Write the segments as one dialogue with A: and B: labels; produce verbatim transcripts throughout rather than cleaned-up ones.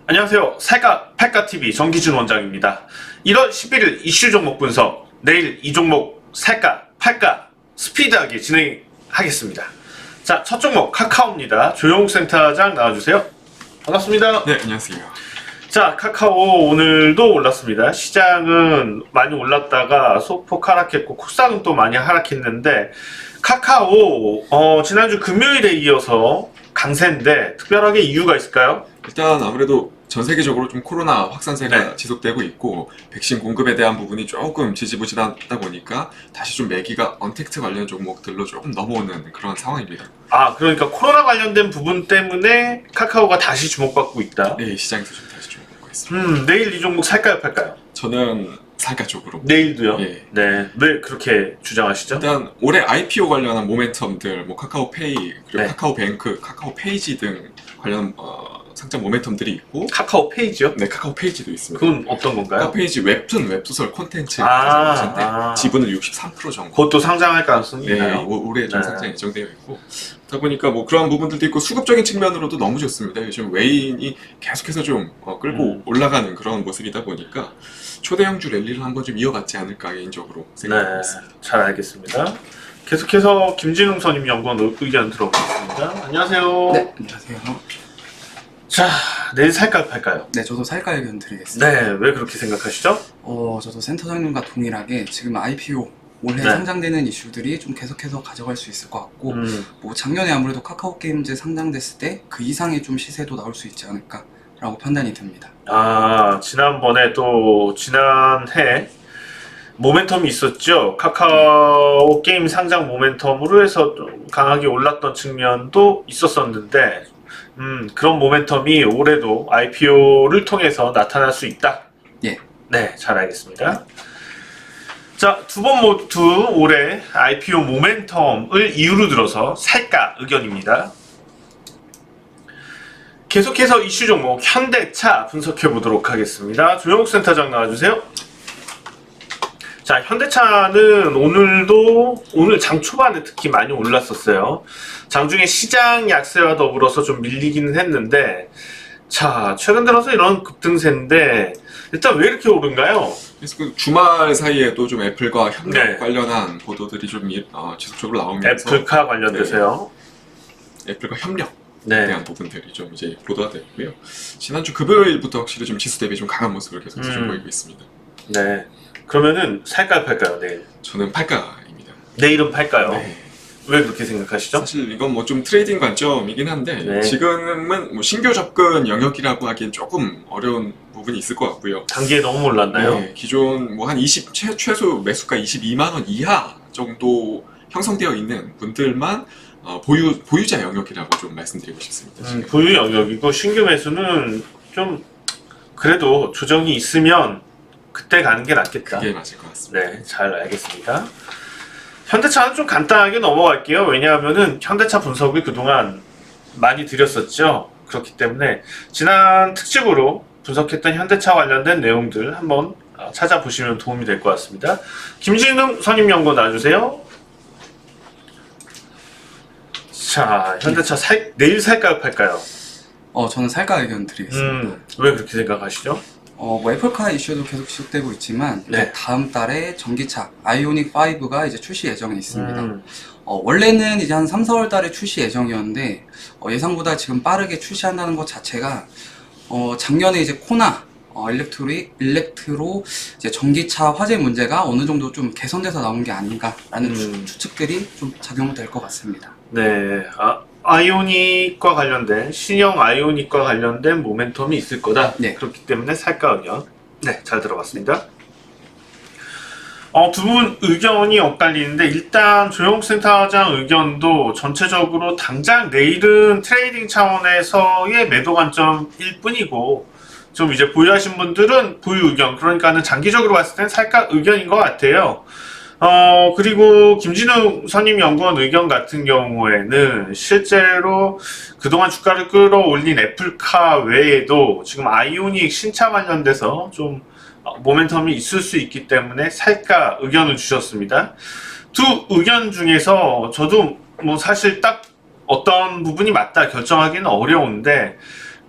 A: 안녕하세요. 살까 팔까티비 정기준 원장입니다. 일월 십일일 이슈 종목 분석, 내일 이 종목 살까 팔까 스피드하게 진행하겠습니다. 자, 첫 종목 카카오입니다. 조영욱 센터장 나와주세요. 반갑습니다.
B: 네, 안녕하세요.
A: 자, 카카오 오늘도 올랐습니다. 시장은 많이 올랐다가 소폭 하락했고 코스닥은 또 많이 하락했는데 카카오 어, 지난주 금요일에 이어서 강세인데 특별하게 이유가 있을까요?
B: 일단 아무래도 전 세계적으로 좀 코로나 확산세가
A: 네.
B: 지속되고 있고 백신 공급에 대한 부분이 조금 지지부진하다 보니까 다시 좀 매기가 언택트 관련 종목들로 조금 넘어오는 그런 상황입니다.
A: 아, 그러니까 코로나 관련된 부분 때문에 카카오가 다시 주목받고 있다.
B: 네, 시장에서 좀 다시 주목받고 있습니다.
A: 음, 내일 이 종목 살까요, 팔까요?
B: 저는 살까 쪽으로.
A: 내일도요?
B: 예.
A: 네. 왜 그렇게 주장하시죠?
B: 일단 올해 아이피오 관련한 모멘텀들, 뭐 카카오페이, 그리고
A: 네.
B: 카카오뱅크, 카카오페이지 등 관련 어, 상장 모멘텀들이 있고,
A: 카카오 페이지요?
B: 네, 카카오페이지도 있습니다.
A: 그건 어떤 건가요?
B: 카카오페이지 웹툰, 웹소설 콘텐츠
A: 아,
B: 가지고 계신데
A: 아.
B: 지분은 육십삼 퍼센트 정도.
A: 그것도 상장할 가능성이
B: 네,
A: 있나요?
B: 올- 올해 좀
A: 네.
B: 상장 예정되어 있고, 그러다 보니까 뭐 그러한 부분들도 있고 수급적인 측면으로도 너무 좋습니다. 요즘 외인이 계속해서 좀 어, 끌고
A: 음.
B: 올라가는 그런 모습이다 보니까 초대형주 랠리를 한번 좀 이어받지 않을까 개인적으로 생각하고
A: 네,
B: 있습니다.
A: 잘 알겠습니다. 계속해서 김진웅 선임 연구원 의견 들어보겠습니다. 안녕하세요.
C: 네, 안녕하세요.
A: 자, 내일 살까요, 팔까요?
C: 네, 저도 살까 의견 드리겠습니다.
A: 네, 왜 그렇게 생각하시죠?
C: 어, 저도 센터장님과 동일하게 지금 아이피오 올해
A: 네.
C: 상장되는 이슈들이 좀 계속해서 가져갈 수 있을 것 같고,
A: 음,
C: 뭐 작년에 아무래도 카카오 게임즈 상장됐을 때 그 이상의 좀 시세도 나올 수 있지 않을까라고 판단이 듭니다.
A: 아, 지난번에 또 지난해 모멘텀이 있었죠. 카카오 게임 상장 모멘텀으로 해서 좀 강하게 올랐던 측면도 있었었는데 음, 그런 모멘텀이 올해도 아이피오를 통해서 나타날 수 있다.
C: 예.
A: 네, 잘 알겠습니다. 자, 두 번 모두 올해 아이피오 모멘텀을 이유로 들어서 살까 의견입니다. 계속해서 이슈 종목 현대차 분석해 보도록 하겠습니다. 조영욱 센터장 나와주세요. 자, 현대차는 오늘도 오늘 장 초반에 특히 많이 올랐었어요. 장중에 시장 약세와 더불어서 좀 밀리기는 했는데, 자, 최근 들어서 이런 급등세인데 일단 왜 이렇게 오른가요?
B: 그래서 그 주말 사이에도 좀 애플과 협력
A: 네.
B: 관련한 보도들이 좀 이- 어, 지속적으로 나오면서
A: 애플카 관련돼서요.
B: 애플과 협력
A: 네.
B: 대한 부분들이 좀 이제 보도가 됐고요. 지난주 금요일부터 확실히 좀 지수 대비 좀 강한 모습을 계속 좀
A: 음.
B: 보이고 있습니다.
A: 네. 그러면은 살까요, 팔까요, 내일?
B: 저는 팔가입니다.
A: 내일은 팔까요?
B: 네.
A: 왜 그렇게 생각하시죠?
B: 사실 이건 뭐 좀 트레이딩 관점이긴 한데
A: 네.
B: 지금은 뭐 신규 접근 영역이라고 하기엔 조금 어려운 부분이 있을 것 같고요.
A: 단기에 너무 올랐나요?
B: 네, 기존 뭐 한 이십 최, 최소 매수가 이십이만 원 이하 정도 형성되어 있는 분들만 어, 보유 보유자 영역이라고 좀 말씀드리고 싶습니다.
A: 음,
B: 지금.
A: 보유 영역이고 신규 매수는 좀 그래도 조정이 있으면 그때 가는 게 낫겠다.
B: 그게 맞을 것 같습니다.
A: 네, 잘 알겠습니다. 현대차는 좀 간단하게 넘어갈게요. 왜냐하면은 현대차 분석을 그동안 많이 드렸었죠. 그렇기 때문에 지난 특집으로 분석했던 현대차 관련된 내용들 한번 어, 찾아보시면 도움이 될 것 같습니다. 김진웅 선임연구원 나와주세요. 자, 현대차 살, 내일 살까요, 팔까요?
C: 어, 저는 살까 의견 드리겠습니다.
A: 음, 왜 그렇게 생각하시죠?
C: 어, 뭐 애플카 이슈도 계속 지속되고 있지만
A: 네.
C: 이제 다음 달에 전기차 아이오닉 파이브가 이제 출시 예정에 있습니다.
A: 음,
C: 어, 원래는 이제 한 삼, 사월 달에 출시 예정이었는데 어, 예상보다 지금 빠르게 출시한다는 것 자체가 어, 작년에 이제 코나 어, 일렉트리, 일렉트로 이제 전기차 화재 문제가 어느 정도 좀 개선돼서 나온 게 아닌가라는
A: 음.
C: 추, 추측들이 좀 작용될 것 같습니다.
A: 네, 아, 아이오닉과 관련된 신형 아이오닉과 관련된 모멘텀이 있을 거다.
C: 네.
A: 그렇기 때문에 살까 의견. 네, 잘 들어봤습니다. 어, 두 분 의견이 엇갈리는데 일단 조영욱 센터장 의견도 전체적으로 당장 내일은 트레이딩 차원에서의 매도 관점일 뿐이고 좀 이제 보유하신 분들은 보유 의견, 그러니까는 장기적으로 봤을 땐 살까 의견인 것 같아요. 어, 그리고 김진우 선임 연구원 의견 같은 경우에는 실제로 그동안 주가를 끌어올린 애플카 외에도 지금 아이오닉 신차 관련돼서 좀 모멘텀이 있을 수 있기 때문에 살까 의견을 주셨습니다. 두 의견 중에서 저도 뭐 사실 딱 어떤 부분이 맞다 결정하기는 어려운데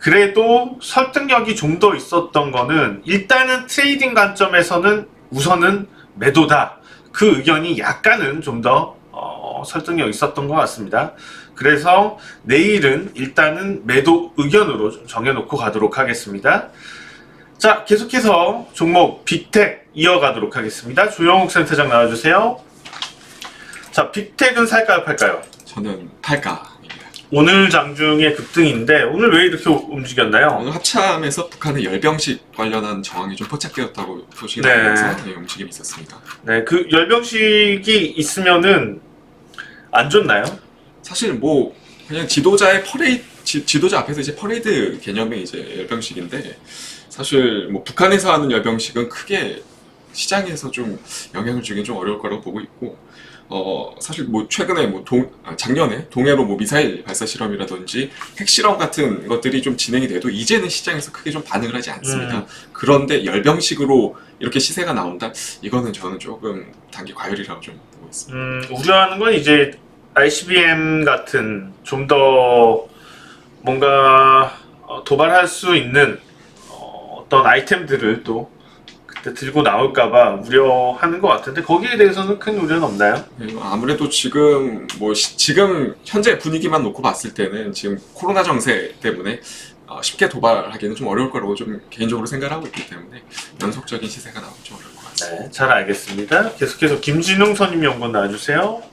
A: 그래도 설득력이 좀 더 있었던 거는 일단은 트레이딩 관점에서는 우선은 매도다. 그 의견이 약간은 좀 더 어, 설득력 있었던 것 같습니다. 그래서 내일은 일단은 매도 의견으로 좀 정해놓고 가도록 하겠습니다. 자, 계속해서 종목 빅텍 이어가도록 하겠습니다. 조영욱 센터장 나와주세요. 자, 빅텍은 살까요, 팔까요?
B: 저는 팔가입니다.
A: 오늘 장중에 급등인데 오늘 왜 이렇게 움직였나요?
B: 오늘 합참에서 북한의 열병식 관련한 정황이 좀 포착되었다고 소식이
A: 네.
B: 나오면서 네, 움직임이 있었습니다.
A: 네, 그 열병식이 있으면은 안 좋나요?
B: 사실 뭐 그냥 지도자의 퍼레이드 지, 지도자 앞에서 이제 퍼레이드 개념의 이제 열병식인데 사실 뭐 북한에서 하는 열병식은 크게 시장에서 좀 영향을 주긴 좀 어려울 거라고 보고 있고 어 사실 뭐 최근에 뭐 동, 아, 작년에 동해로 뭐 미사일 발사 실험이라든지 핵실험 같은 것들이 좀 진행이 돼도 이제는 시장에서 크게 좀 반응을 하지 않습니다.
A: 음.
B: 그런데 열병식으로 이렇게 시세가 나온다? 이거는 저는 조금 단기 과열이라고 좀 보고 있습니다.
A: 음, 우려하는 건 이제 아이씨비엠 같은 좀 더 뭔가 어, 도발할 수 있는 어, 어떤 아이템들을 또 그때 들고 나올까봐 우려하는 것 같은데 거기에 대해서는 큰 우려는 없나요?
B: 네, 아무래도 지금 뭐 시- 지금 현재 분위기만 놓고 봤을 때는 지금 코로나 정세 때문에 어, 쉽게 도발하기는 좀 어려울 거라고 좀 개인적으로 생각을 하고 있기 때문에 연속적인 시세가 나오면 좀 어려울 것 같습니다.
A: 네, 잘 알겠습니다. 계속해서 김진웅 선임연구원 나와주세요.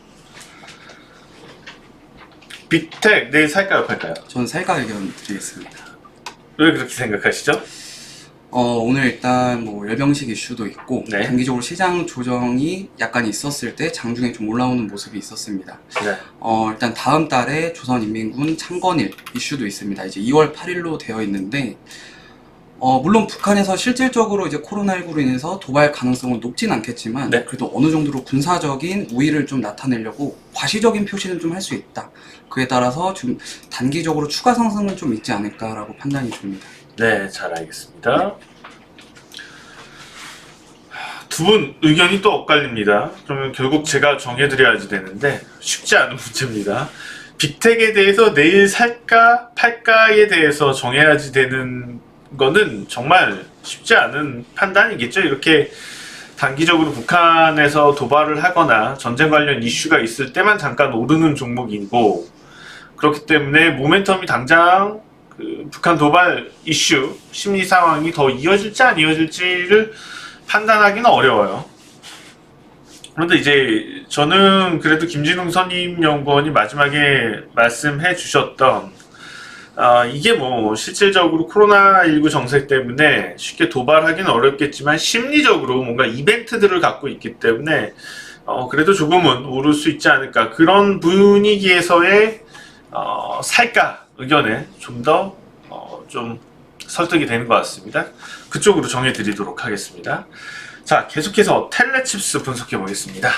A: 빅텍 내일 살까요, 팔까요?
C: 저는 살까 의견 드리겠습니다.
A: 왜 그렇게 생각하시죠?
C: 어, 오늘 일단 뭐 열병식 이슈도 있고
A: 네.
C: 단기적으로 시장 조정이 약간 있었을 때 장중에 좀 올라오는 모습이 있었습니다.
A: 네.
C: 어, 일단 다음 달에 조선인민군 창건일 이슈도 있습니다. 이제 이월 팔일로 되어 있는데 어, 물론 북한에서 실질적으로 이제 코로나십구로 인해서 도발 가능성은 높진 않겠지만
A: 네.
C: 그래도 어느 정도로 군사적인 우위를 좀 나타내려고 과시적인 표시는 좀 할 수 있다. 그에 따라서 좀 단기적으로 추가 상승은 좀 있지 않을까라고 판단이 듭니다.
A: 네, 잘 알겠습니다. 두 분 의견이 또 엇갈립니다. 그러면 결국 제가 정해드려야지 되는데 쉽지 않은 문제입니다. 빅텍에 대해서 내일 살까 팔까에 대해서 정해야지 되는 거는 정말 쉽지 않은 판단이겠죠. 이렇게 단기적으로 북한에서 도발을 하거나 전쟁 관련 이슈가 있을 때만 잠깐 오르는 종목이고 그렇기 때문에 모멘텀이 당장 그 북한 도발 이슈 심리 상황이 더 이어질지 안 이어질지를 판단하기는 어려워요. 그런데 이제 저는 그래도 김진웅 선임연구원이 마지막에 말씀해 주셨던 아, 이게 뭐 실질적으로 코로나십구 정책 때문에 쉽게 도발하기는 어렵겠지만 심리적으로 뭔가 이벤트들을 갖고 있기 때문에 어, 그래도 조금은 오를 수 있지 않을까 그런 분위기에서의 어, 살까 의견에 좀 더 어, 좀 설득이 되는 것 같습니다. 그쪽으로 정해드리도록 하겠습니다. 자, 계속해서 텔레칩스 분석해 보겠습니다.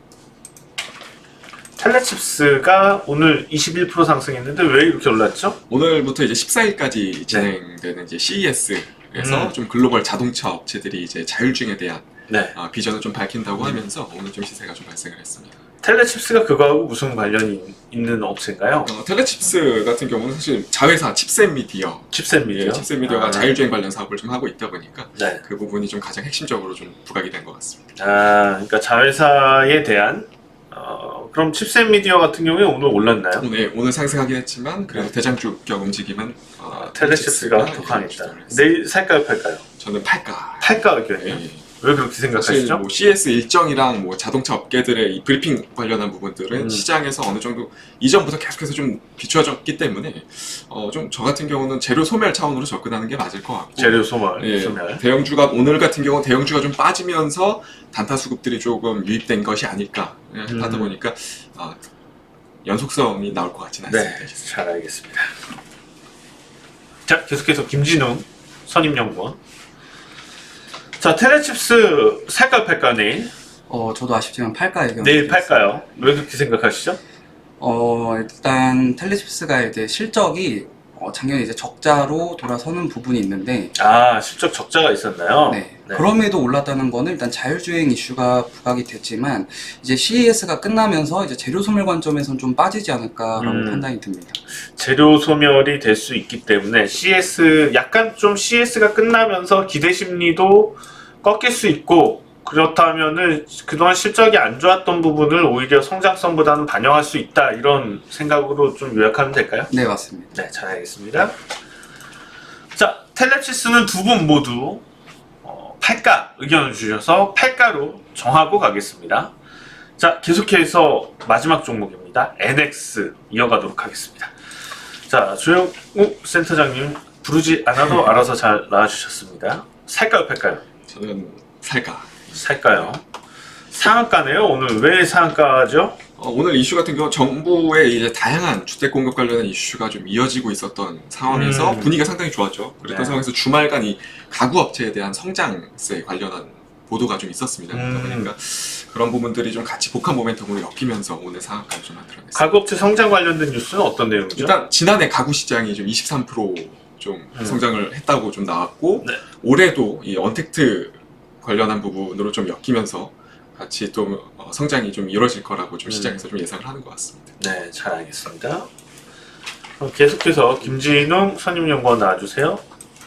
A: 텔레칩스가 오늘 이십일 퍼센트 상승했는데 왜 이렇게 올랐죠?
B: 오늘부터 이제 십사일까지 진행되는 이제 씨이에스에서
A: 음.
B: 좀 글로벌 자동차 업체들이 이제 자율주행에 대한
A: 네.
B: 어, 비전을 좀 밝힌다고 하면서 오늘 좀 시세가 좀 발생을 했습니다.
A: 텔레칩스가 그거하고 무슨 관련이 있는 업체인가요?
B: 어, 텔레칩스 같은 경우는 사실 자회사 칩셋 미디어,
A: 칩셋 미디어.
B: 예, 칩셋 미디어가
A: 아.
B: 자율주행 관련 사업을 좀 하고 있다 보니까
A: 네.
B: 그 부분이 좀 가장 핵심적으로 좀 부각이 된 것 같습니다.
A: 아, 그러니까 자회사에 대한 어, 그럼 칩셋 미디어 같은 경우에 오늘 올랐나요?
B: 오늘 오늘 상승하긴 했지만 그래도
A: 네.
B: 대장주격 움직임은 어,
A: 아, 텔레칩스가 더
B: 예,
A: 강했다.
B: 주도를 했습니다.
A: 내일 살까요, 팔까요?
B: 저는 팔가.
A: 팔까 의견이요?
B: 예, 예.
A: 왜 그렇게
B: 사실
A: 생각하시죠?
B: 뭐 씨에스 일정이랑 뭐 자동차 업계들의 이 브리핑 관련한 부분들은
A: 음.
B: 시장에서 어느 정도 이전부터 계속해서 좀 비추어졌기 때문에 어, 좀 저 같은 경우는 재료 소멸 차원으로 접근하는 게 맞을 것 같고
A: 재료 소멸,
B: 예,
A: 소멸.
B: 대형주가 오늘 같은 경우 대형주가 좀 빠지면서 단타 수급들이 조금 유입된 것이 아닐까 예,
A: 음.
B: 하다 보니까 어, 연속성이 나올 것 같지는
A: 네,
B: 않습니다.
A: 잘 알겠습니다. 자, 계속해서 김진웅 선임연구원. 자, 텔레칩스 살까 팔까 내일?
C: 어, 저도 아쉽지만 팔까 의견.
A: 내일 팔까요? 왜 그렇게 생각하시죠?
C: 어, 일단 텔레칩스가 이제 실적이 어, 작년에 이제 적자로 돌아서는 부분이 있는데
A: 아, 실적 적자가 있었나요?
C: 네. 그럼에도 올랐다는 거는 일단 자율주행 이슈가 부각이 됐지만 이제 씨이에스가 끝나면서 이제 재료 소멸 관점에선 좀 빠지지 않을까라고
A: 음.
C: 판단이 듭니다.
A: 재료 소멸이 될 수 있기 때문에 씨에스 약간 좀 씨에스가 끝나면서 기대 심리도 꺾일 수 있고, 그렇다면은 그동안 실적이 안 좋았던 부분을 오히려 성장성보다는 반영할 수 있다, 이런 생각으로 좀 요약하면 될까요?
C: 네, 맞습니다.
A: 네, 잘 알겠습니다. 자, 텔레치스는 두 분 모두 어, 팔가 의견을 주셔서 팔가로 정하고 가겠습니다. 자, 계속해서 마지막 종목입니다. 엔엑스 이어가도록 하겠습니다. 자, 조영욱 센터장님 부르지 않아도 알아서 잘 나와주셨습니다. 살까요, 팔까요?
B: 저는 살까.
A: 살까요? 상한가네요. 오늘 왜 상한가죠?
B: 어, 오늘 이슈 같은 경우 정부의 이제 다양한 주택 공급 관련한 이슈가 좀 이어지고 있었던 상황에서
A: 음.
B: 분위기가 상당히 좋았죠. 그랬던
A: 네.
B: 상황에서 주말간 이 가구 업체에 대한 성장세 관련한 보도가 좀 있었습니다.
A: 음.
B: 그러다 보니까 그런 부분들이 좀 같이 복합 모멘텀으로 엮이면서 오늘 상한가를 좀 만들어냈습니다.
A: 가구업체 성장 관련된 뉴스는 어떤 내용이죠?
B: 일단 지난해 가구 시장이 좀 이십삼 퍼센트 좀
A: 음.
B: 성장을 했다고 좀 나왔고
A: 네.
B: 올해도 이 언택트 관련한 부분으로 좀 엮이면서 같이 또 어, 성장이 좀 이루어질 거라고 좀
A: 음.
B: 시장에서 좀 예상을 하는 것 같습니다.
A: 네, 잘 알겠습니다. 그럼 계속해서 김진웅 선임연구원 나와주세요.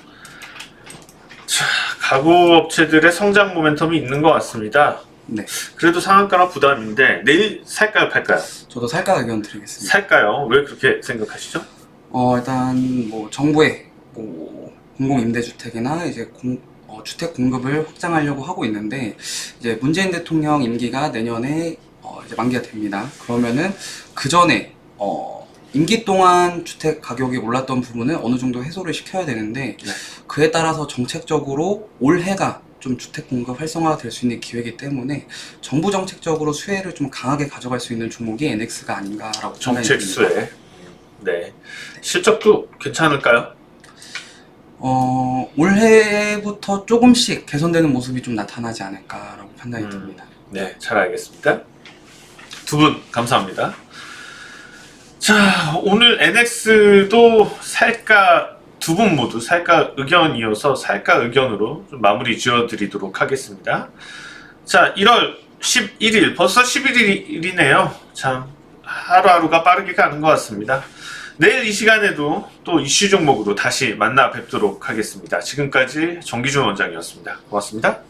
A: 자, 가구 업체들의 성장 모멘텀이 있는 것 같습니다.
C: 네.
A: 그래도 상한가나 부담인데 내일 살까요, 팔까요?
C: 저도 살까 의견 드리겠습니다.
A: 살까요? 왜 그렇게 생각하시죠?
C: 어, 일단 뭐 정부의 뭐 공공 임대주택이나 이제 공, 어, 주택 공급을 확장하려고 하고 있는데 이제 문재인 대통령 임기가 내년에 어, 이제 만기가 됩니다. 그러면은 그 전에 어, 임기 동안 주택 가격이 올랐던 부분을 어느 정도 해소를 시켜야 되는데
A: 네.
C: 그에 따라서 정책적으로 올해가 좀 주택 공급 활성화가 될 수 있는 기회이기 때문에 정부 정책적으로 수혜를 좀 강하게 가져갈 수 있는 종목이 엔엑스가 아닌가라고 생각이
A: 정책
C: 듭니다.
A: 수혜. 네. 실적도 괜찮을까요?
C: 어, 올해부터 조금씩 개선되는 모습이 좀 나타나지 않을까라고 판단이
A: 음.
C: 듭니다.
A: 네, 잘 알겠습니다. 두 분 감사합니다. 자, 오늘 엔엑스도 살까, 두 분 모두 살까 의견이어서 살까 의견으로 좀 마무리 지어드리도록 하겠습니다. 자, 일월 십일일, 벌써 십일일이네요. 참, 하루하루가 빠르게 가는 것 같습니다. 내일 이 시간에도 또 이슈 종목으로 다시 만나 뵙도록 하겠습니다. 지금까지 정기준 원장이었습니다. 고맙습니다.